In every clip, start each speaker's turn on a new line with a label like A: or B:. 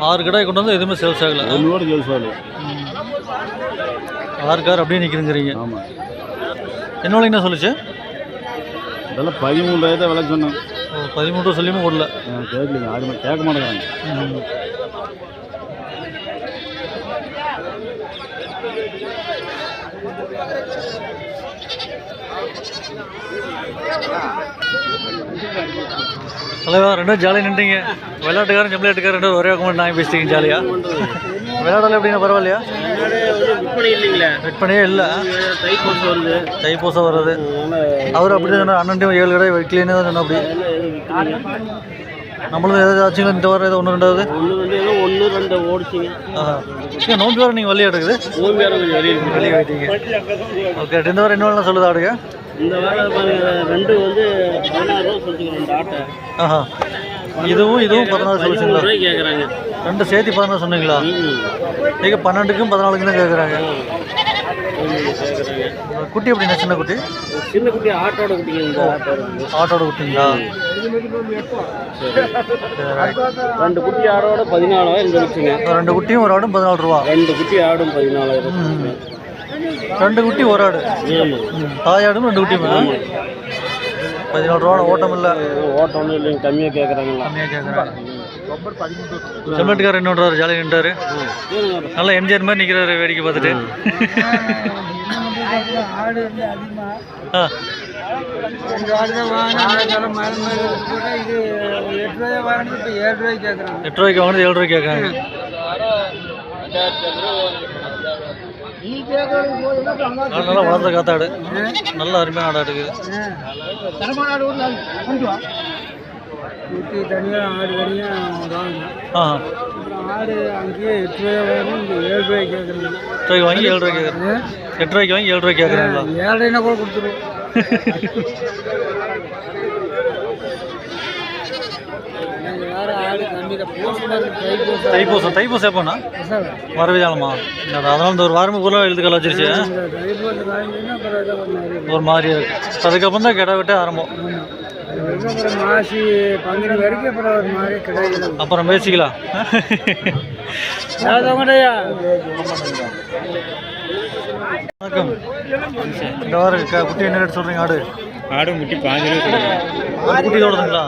A: 6 கடை கொண்டு வந்து எதுவுமே சேல்ஸ் ஆகலை.
B: ஒன்றோட சேல்ஸ் ஆகலை.
A: 6 கார் அப்படியே நிற்கிறீங்கிறீங்க.
B: ஆமாம்.
A: என்ன விலைங்கண்ணா சொல்லிச்சு?
B: இதெல்லாம் 13,000 விலை சொன்னேன்.
A: 13 சொல்லியுமே ஓடல.
B: கேட்கலீங்க, யாருமே கேட்க மாட்டேங்கிறாங்க.
A: தலைவா ரெண்டும் ஜாலியாக நின்றீங்க. விளையாட்டுக்காரன் ஜம்ப்ளையாட்டுக்காரன் ரெண்டும் ஒரே பக்கம் நான் பேசிட்டீங்க ஜாலியாக. விளையாடல எப்படின்னா பரவாயில்லையா? விற்பனையே இல்லை. தைப்பூசம் வருது. அவர் அப்படி தான் சொன்னார். அண்ணன்ட்டையும் 7 கடை வைக்கலன்னு தான் சொன்ன. அப்படி நம்மளும் ஏதாவது ஆச்சுங்களா இந்த வாரம்? ஏதோ 1 2 ஓடிச்சிங்க. நோம்பி வாரம் நீங்கள் வெளியே எடுக்குது வெளியே வைட்டீங்க. ஓகே. இந்த வாரம் என்ன வேணாலும் சொல்லுது ஆடுங்க.
B: இந்த வாரம் 2 வந்து 16 சொல்லிச்சுங்க.
A: ஆஹா. இதுவும் 14 சொல்லிச்சுங்களா?
B: கேட்குறாங்க.
A: 2 சேர்த்து 14 சொன்னீங்களா? நீங்கள் 12க்கும் 14க்கும் தான் கேட்குறாங்க. குட்டி எப்படின்னா? சின்ன குட்டி
B: ஆட்டோட குட்டிங்க.
A: ஆட்டோட குட்டிங்களா?
B: 2 குட்டி ஆடோட 14,000 சொல்லிச்சுங்க.
A: 2 குட்டியும் ஒரு ஆடும் 14 ரூபா.
B: 2 குட்டி ஆடும் 14,000.
A: 2 குட்டி ஒரு ஆடு. தாயாடும் 2 குட்டியுமே 14 ரூபா. ஓட்டம் இல்லை.
B: ஓட்டம் ஒன்றும் இல்லைங்க. கம்மியாக கேட்குறாங்க.
A: செம்மட்டுக்காரர் என்ன பண்ணுறாரு? ஜாலியாக நின்றாரு. நல்லா எம்ஜிஆர் மாதிரி நிற்கிறாரு வேடிக்கை பார்த்துட்டு. ஆ 8 ரூபாய்க்கு வாங்கினது 7 ரூபாய்க்கு கேட்குறாங்க. நல்லா வளர்ந்த காத்தாடு. நல்ல அருமையான ஆடா இருக்குது.
B: ஆடு அங்கேயே 8 ரூபாய் வாங்கி 7 ரூபாய்க்கு கேட்குறேன்.
A: 8 ரூபாய்க்கு வாங்கி 7 ரூபாய்க்கு கேட்குறேன். 8 ரூபாய்க்கு வாங்கி 7 ரூபாய்க்கு கேட்குறாங்களா?
B: 7 கூட கொடுத்துருவோம்.
A: தைப்பூசம் எப்போண்ணா? வரவிதானமா? அதனால இந்த ஒரு வாரமே ஊரில் எழுதுக்கல வச்சிருச்சு. ஒரு மாதிரி இருக்கு. அதுக்கப்புறம் தான் கிடா விட்டு ஆரம்பம். அப்புறம் பேசிக்கலாம். வணக்கம். இந்த வாரம் குட்டி என்ன ரேட் சொல்கிறீங்க? ஆடு
B: குட்டி 15 ரூபா.
A: குட்டி தோடுதுங்களா?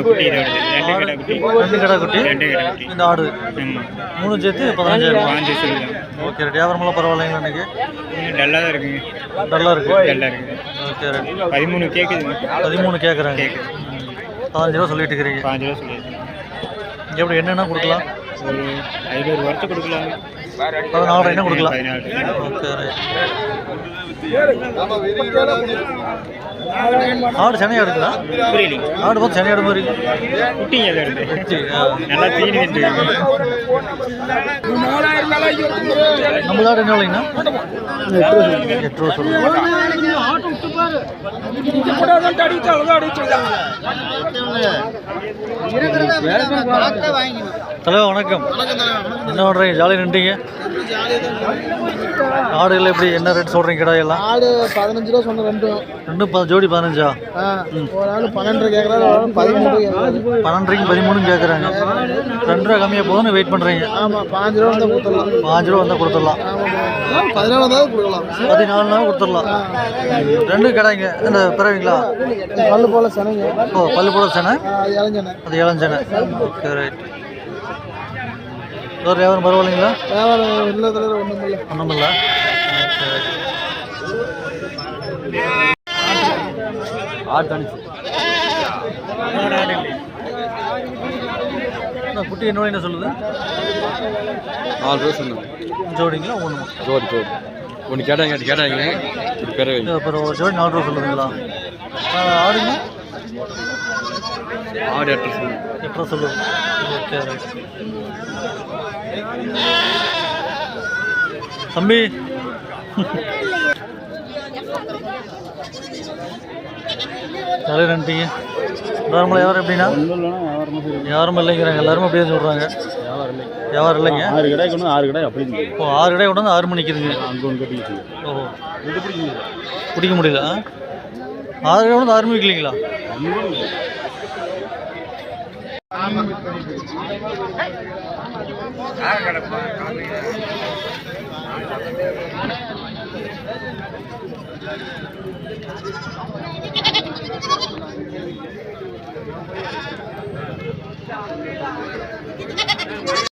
A: 2 கடை குட்டி. இந்த ஆடு 3 சேர்த்து 15,000. Okay right. வியாபாரமெல்லாம் பரவாயில்லைங்களா? இன்னைக்கு
B: டல்லாக தான் இருக்குங்க.
A: டல்லாக இருக்குது. Okay right.
B: 13 கேட்குதுங்க.
A: 13 கேட்குறாங்க. 15 ரூபா சொல்லிட்டு இருக்கிறீங்க.
B: 15 ரூபா சொல்லிடுங்க.
A: எப்படி என்னென்ன கொடுக்கலாம்?
B: ஒரு 500 வருஷம் கொடுக்கலாம்.
A: 14 என்ன கொடுக்கலாம்? Okay right. ஆடு சனையாக இருக்குதா? ஆடு பார்த்து சனையாடு மாதிரி
B: குட்டிங்க. நல்லா தீனி
A: நம்மளோட என்ன இல்லைங்கண்ணா? 8 ரூபா சொல்லுங்கள். தலைவா வணக்கம். என்ன பண்ணுறீங்க? ஜாலியாக நின்றீங்க. ஆடுகள் எப்படி என்ன ரேட் சொல்கிறீங்க? கிடாயெல்லாம்
B: ஆடு 15 ரூபா சொன்ன.
A: ரெண்டும் ஜோடி 15.
B: ஒரு ஆள் 12 கேட்குறாரு.
A: 12க்கு 13 கேட்குறாங்க. 2 ரூபா கம்மியாக போதுன்னு வெயிட் பண்ணுறீங்க.
B: ஆமாம் 5 ரூபா வந்தால் கொடுத்துடலாம். 5 ரூபா
A: வந்தால் கொடுத்துடலாம்.
B: 14 வந்தாலும் கொடுக்கலாம்.
A: 14 நாள் கொடுத்துடலாம். 2 கடைங்க. இந்த பிறவிங்களா?
B: பல்லு போல சனைங்க.
A: ஓ பல்லு போல சனை.
B: அது
A: இளஞ்சனை. Okay right. ஒரு வியாபாரம் பரவாயில்லைங்களா?
B: வியாபாரம் இல்லை.
A: ஒன்றுமில்ல. குட்டி என்ன சொல்லுது?
B: 4 ரூபா சொன்னேன்.
A: ஜோடிங்களா?
B: ஜோடி ஒன்று கேட்டாங்க.
A: அப்புறம் ஒரு ஜோடி 4 ரூபா சொல்லுதுங்களா? ஆடுங்க?
B: ஆடு 8
A: ரூபா சொல்லுது. Okay right. தம்பி ஜாலியாக நின்ட்டீங்க. நார்மலாக வியாபாரம் எப்படின்னா? யாரும் இல்லைங்கிறாங்க. எல்லாரும் அப்படியே சொல்கிறாங்க. வியாபாரம் இல்லைங்க.
B: 6 கடை கொண்டு 6 கடை அப்படி.
A: ஓ 6 கடை கொண்டு வந்து 6 மணிக்கு இருக்குங்க.
B: அங்கே ஒன்று கட்டிக்கிச்சு.
A: ஓ பிடிக்க முடியல. 6 கடை கொண்டு 6 மணிக்கு இல்லைங்களா?